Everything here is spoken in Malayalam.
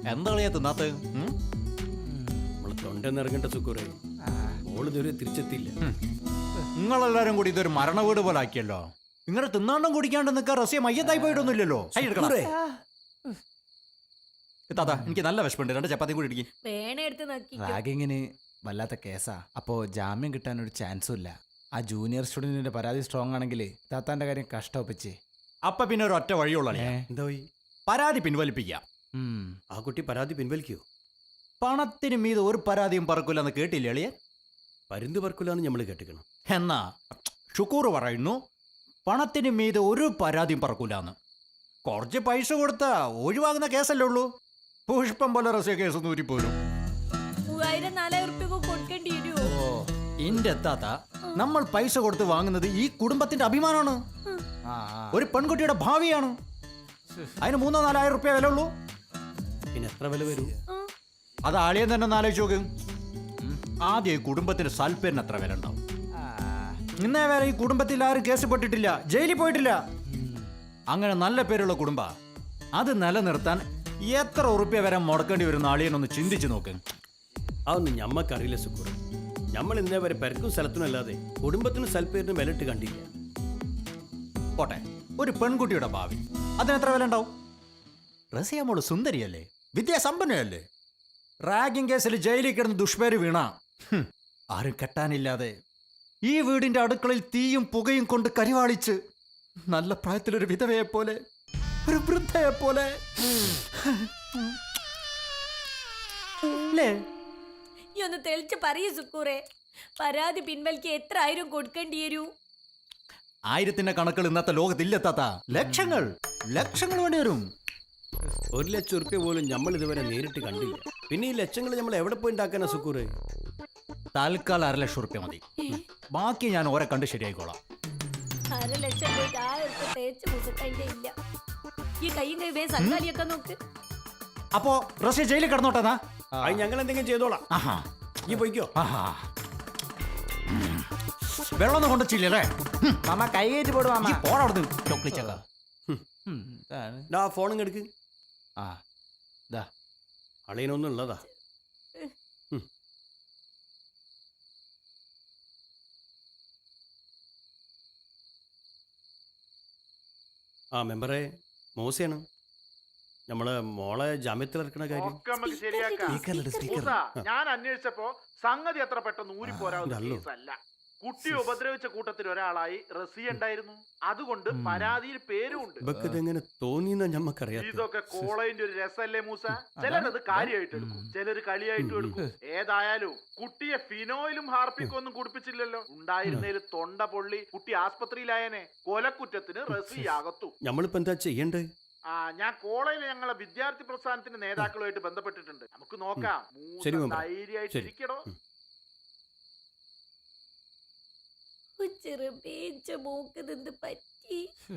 എന്താ കളിയാ തിന്നാത്ത നമ്മള് തൊണ്ടെന്നിറങ്ങേണ്ട സുക്കൂറെ മോളിതുവരെ തിരിച്ചെത്തിയില്ല. നിങ്ങളെല്ലാരും കൂടി ഇതൊരു മരണ വീട് പോലെ ആക്കിയല്ലോ. ഇങ്ങനെ തിന്നാണ്ടും കുടിക്കാണ്ട് നിൽക്കാൻ റസിയ മയ്യത്തായി പോയിട്ടൊന്നുമില്ലല്ലോ. താത്ത എനിക്ക് നല്ല വിഷമുണ്ട്, 2 ചപ്പാത്തി കൂടി ഇടിക്കും. റാഗിങ്ങിന് വല്ലാത്ത കേസാ. അപ്പോ ജാമ്യം കിട്ടാൻ ഒരു ചാൻസും ഇല്ല. ആ ജൂനിയർ സ്റ്റുഡന്റിന്റെ പരാതി സ്ട്രോങ് ആണെങ്കിൽ താത്താന്റെ കാര്യം കഷ്ടപ്പിച്ച്. അപ്പൊ പിന്നെ ഒരു ഒറ്റ വഴിയുള്ള എന്താ പോയി പരാതി പിൻവലിപ്പിക്കാം. ആ കുട്ടി പരാതി പിൻവലിക്കോ? പണത്തിന് മീത് ഒരു പരാതിയും പറക്കൂലെന്ന് കേട്ടില്ലേ എളിയൻ? പരുന്ത് പറക്കൂലെന്ന് നമ്മൾ കേട്ടിക്കണം. എന്നാ ഷുക്കൂർ പറയുന്നു പണത്തിന് മീത് ഒരു പരാതിയും പറക്കൂലെന്ന്. കുറച്ച് പൈസ കൊടുത്താ ഒഴിവാകുന്ന കേസല്ലേ ഉള്ളൂ. പുഷ്പം പോലെ റസിയ കേസ് നൂരിപ്പോലും. 3000-4000 കൊടുക്കേണ്ടി വരുമോ? ഇന്റെ താത്ത, നമ്മൾ പൈസ കൊടുത്ത് വാങ്ങുന്നത് ഈ കുടുംബത്തിന്റെ അഭിമാനമാണ്, ഒരു പെൺകുട്ടിയുടെ ഭാവിയാണ്. അതിന് 3-4 റുപ്യ വില ഉള്ളൂ. പിന്നെ എത്ര വില വരും? അത് ആളിയം തന്നെ ഒന്ന് ആലോചിച്ച് നോക്ക്. ആദ്യം ഈ കുടുംബത്തിന്റെ സൽപ്പേരിന് എത്ര വില ഉണ്ടാവും? ഇന്നേ വരെ ഈ കുടുംബത്തിൽ ആരും കേസ് പെട്ടിട്ടില്ല, ജയിലിൽ പോയിട്ടില്ല. അങ്ങനെ നല്ല പേരുള്ള കുടുംബ, അത് നിലനിർത്താൻ എത്ര ഉറുപ്പ്യ വരെ മുടക്കേണ്ടി വരുന്ന ആളിയനൊന്ന് ചിന്തിച്ചു നോക്ക്. അതൊന്നും ഞമ്മക്കറിയില്ല സുക്കൂർ. നമ്മൾ ഇന്നേ വരെ പെരക്കും സ്ഥലത്തിനും അല്ലാതെ കുടുംബത്തിനും സൽപ്പേരിനും വിലയിട്ട് കണ്ടില്ല. പോട്ടെ, ഒരു പെൺകുട്ടിയുടെ ഭാവി അതിനെത്ര വില ഉണ്ടാവും? റസിയ മോള് സുന്ദരിയല്ലേ, വിദ്യാസമ്പന്നയല്ലേ. റാഗിംഗ് കേസിൽ ജയിലിൽ കിടന്ന് ദുഷ്പേര് വീണ ആരും കെട്ടാനില്ലാതെ ഈ വീടിന്റെ അടുക്കളയിൽ തീയും പുകയും കൊണ്ട് കരിവാളിച്ച് നല്ല പ്രായത്തിലൊരു വിധവയെ പോലെ, ഒരു വൃദ്ധയെ പോലെ ഒന്ന് തെളിച്ച് പറയൂ സുക്കൂറെ, പരാതി പിൻവലിക്ക് എത്ര 1000 കൊടുക്കേണ്ടി വരൂ? 1000ന്റെ കണക്കുകൾ ഇന്നത്തെ ലോകത്തില്ലെത്താത്ത ലക്ഷങ്ങൾ വേണ്ടി വരും. 1 ലക്ഷം ഉറുപ്പ്യ പോലും നമ്മൾ ഇതുവരെ നേരിട്ട് കണ്ടില്ല. പിന്നെ ഈ ലക്ഷങ്ങൾ നമ്മൾ എവിടെ പോയി ഉണ്ടാക്കാനാ സുക്കൂറെ? തൽക്കാലം 1.5 ലക്ഷം ഉറുപ്പ്യ മതി. ബാക്കി ഞാൻ ഓരെ കണ്ട് ശരിയായിക്കോളാം. 1.5 ലക്ഷം പോയിട്ട് 1000 തേച്ച് മുഖത്തതിന്റെ ഇല്ല. ഈ കൈയും കൈ വേഗം സങ്കാലിയൊക്കെ നോക്ക്. അപ്പോ റഷ്യ ജയിലിൽ കിടന്നോട്ടെന്നാ? അത് ഞങ്ങൾ എന്തെങ്കിലും ചെയ്തോളാം. ഈ പോയിക്കോ. വെള്ളമൊന്നും കൊണ്ടുവച്ചില്ലേ മാമ കൈ കയറ്റി പോടും. മാമ പോടവിടുന്ന് ചോക്ലിച്ചക്ക. ഫോണും എടുക്ക്. ദാ അളിയനൊന്നും ഉള്ളതാ. ആ മെമ്പറെ, മോശയാണ്. നമ്മളെ മോളെ ജാമ്യത്തിൽ ഇറക്കണ കാര്യം ഞാൻ അന്വേഷിച്ചപ്പോ സംഗതി അത്ര പെട്ടെന്ന് ഊരിപ്പോരാവുന്ന കേസല്ല. കുട്ടിയെ ഉപദ്രവിച്ച കൂട്ടത്തിൽ ഒരാളായി റസിയ ഉണ്ടായിരുന്നു. അതുകൊണ്ട് പരാതിയിൽ പേരുണ്ട്. ഇതെങ്ങനെ തോന്നിയെന്നാ ഞമ്മക്കറിയാം. ഇതൊക്കെ കോളേജിന്റെ ഒരു രസല്ലേ മൂസ? ചിലരത് കാര്യമായിട്ട് എടുക്കും, ചിലര് കളിയായിട്ടും എടുക്കും. ഏതായാലും കുട്ടിയെ ഫിനോയിലും ഹാർപ്പിക്കും ഒന്നും കുടിപ്പിച്ചില്ലല്ലോ. ഉണ്ടായിരുന്നതിൽ തൊണ്ട പൊള്ളി കുട്ടി ആസ്പത്രിയിലായനെ. കൊലക്കുറ്റത്തിന് റസിയ അകത്തു. നമ്മളിപ്പോ എന്താ ചെയ്യണ്ടേ? ഞാൻ കോളേജിൽ ഞങ്ങളെ വിദ്യാർത്ഥി പ്രസ്ഥാനത്തിന്റെ നേതാക്കളുമായിട്ട് ബന്ധപ്പെട്ടിട്ടുണ്ട്. നമുക്ക് നോക്കാം. ധൈര്യമായിട്ടിരിക്കടോ. ചെറുപേച്ച മൂക്ക് നിന്ന് പറ്റി.